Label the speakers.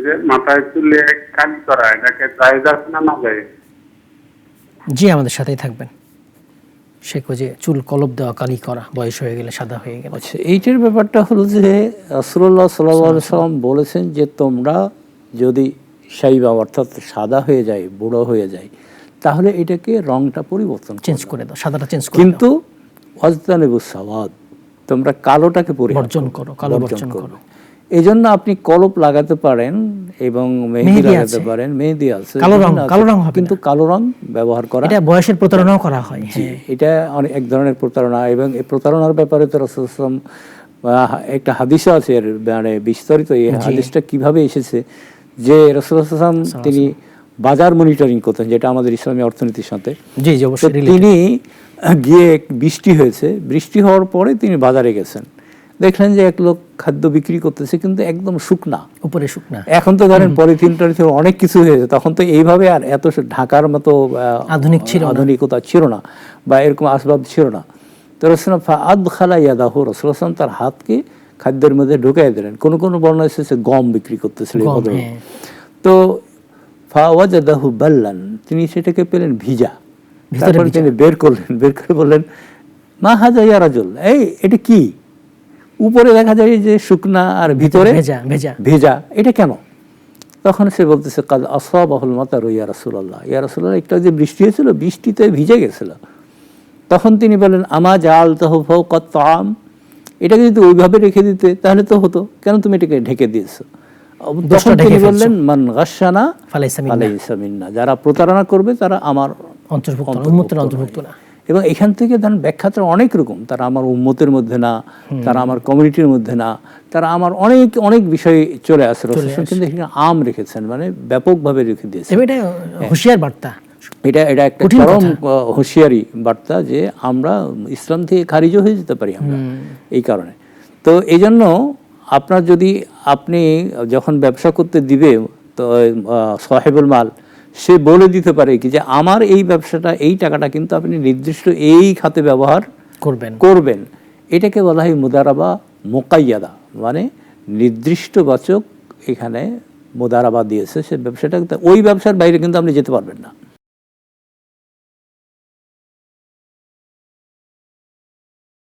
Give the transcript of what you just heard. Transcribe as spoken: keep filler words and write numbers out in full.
Speaker 1: যে মাথায় চুলে কালি করা, এটাকে জায়েজ আছে না না জায়েজ?
Speaker 2: জি, আমাদের সাথেই থাকবেন। শেখ যে চুল কলপ দেওয়া, কালি করা, বয়স হয়ে গেলে সাদা হয়ে গেলে।
Speaker 3: আচ্ছা, এইটার ব্যাপারটা হলো যে রাসূলুল্লাহ সাল্লাল্লাহু আলাইহি ওয়াসাল্লাম বলেছেন যে তোমরা যদি শাইবা অর্থাৎ সাদা হয়ে যায়, বুড়ো হয়ে যায়, তাহলে এটাকে রংটা পরিবর্তন
Speaker 2: চেঞ্জ করে দাও, সাদাটা চেঞ্জ করে
Speaker 3: কিন্তু ওয়াজতানিবুস সাওয়াদ, তোমরা কালোটাকে
Speaker 2: বর্জন করো, কালো বর্জন করো।
Speaker 3: এই জন্য আপনি কলপ লাগাতে পারেন এবং মেহেদি লাগাতে পারেন, মেহেদি আছে,
Speaker 2: কালো রং, কালো রং হবে
Speaker 3: কিন্তু কালো রং ব্যবহার করা,
Speaker 2: এটা বয়সের প্রতারণাও করা হয়।
Speaker 3: হ্যাঁ, এটা অনেক এক ধরনের প্রতারণা। এবং এই প্রতারণার ব্যাপারে তো রাসূল সাল্লাল্লাহু আলাইহি ওয়াসাল্লাম একটা হাদিস আছে, এর মানে বিস্তারিত এই হাদিসটা কিভাবে এসেছে যে রাসূলুল্লাহ সাল্লাল্লাহু আলাইহি ওয়াসাল্লাম তিনি বাজার মনিটরিং করতেন, যেটা আমাদের ইসলামী অর্থনীতির সাথে।
Speaker 2: জি জি, অবশ্যই।
Speaker 3: তিনি গিয়ে বৃষ্টি হয়েছে, বৃষ্টি হওয়ার পরে তিনি বাজারে গেছেন, দেখলেন যে এক লোক খাদ্য বিক্রি করতেছে কিন্তু একদম শুকনা,
Speaker 2: উপরে শুকনা। এখন
Speaker 3: তো ধরেন পলিথিন টলিথিন অনেক কিছু হয়েছে, তখন তো এইভাবে আর এত ঢাকার মতো
Speaker 2: আধুনিক ছিল
Speaker 3: আধুনিকতা ছিল না বা এরকম আসবাব ছিল না। তো রাসূলুল্লাহ ফাআদখালা ইয়াদাহু, রাসূলুল্লাহ সাল্লাল্লাহু আলাইহি ওয়াসাল্লাম তার হাতকে খাদ্যের মধ্যে ঢুকাই দিলেন। কোন কোন বর্ণনা এসেছে গম বিক্রি করতেছিল। তো ফাওয়াজাদাহু বাল্লান, তিনি সেটাকে পেলেন ভিজা। তারপরে তিনি বের করলেন, বের করে বললেন মা হাযা ইয়া রাজুল, এই এটা কি? উপরে দেখা যায় যে শুকনা আর ভিতরে
Speaker 2: ভেজা ভেজা
Speaker 3: ভেজা, এটা কেন? তখন সে বলতেছে কাদ আসাবাহুল মাতারু ইয়া রাসূলুল্লাহ, ইয়া রাসূলুল্লাহ, একটা যে বৃষ্টি হয়েছিল, বৃষ্টিতে ভিজে গেছিল। তখন তিনি বলেন আমা জাআলতাহু ফাওকা আত-তাআম, এটাকে যদি ওইভাবে রেখে দিতে তাহলে তো হতো, কেন তুমি এটাকে ঢেকে দিয়েছো? তখন তিনি বললেন মান গাশশানা ফালাইসা মিন্না, যারা প্রতারণা করবে তারা আমার
Speaker 2: অন্তর্ভুক্ত, উম্মতের অন্তর্ভুক্ত না।
Speaker 3: এবং এখান থেকে ধরেন ব্যাখ্যাটা অনেক রকম, তারা আমার উম্মতের মধ্যে না, তারা আমার কমিউনিটির মধ্যে না, তারা আমার অনেক অনেক বিষয় চলে আসে। রাসূল কিন্তু এখানে আম রেখেছেন, মানে ব্যাপকভাবে রেখে দিয়েছেন।
Speaker 2: এটা হুঁশিয়ার বার্তা,
Speaker 3: এটা এটা একটা চরম হুঁশিয়ারি বার্তা যে আমরা ইসলাম থেকে খারিজ হয়ে যেতে পারি আমরা এই কারণে। তো এই জন্য আপনার যদি আপনি যখন ব্যবসা করতে দিবে, তো সাহেবুল মাল সে বলে দিতে পারে কি যে আমার এই ব্যবসাটা, এই টাকাটা কিন্তু আপনি নির্দিষ্ট এই খাতে ব্যবহার
Speaker 2: করবেন
Speaker 3: করবেন এটাকে বলা হয় মুদারাবা মুকাইয়াদা, মানে নির্দিষ্ট বাচক এখানে মুদারাবা দিয়েছে। সে ব্যবসাটা, ওই ব্যবসার বাইরে কিন্তু আপনি যেতে পারবেন না।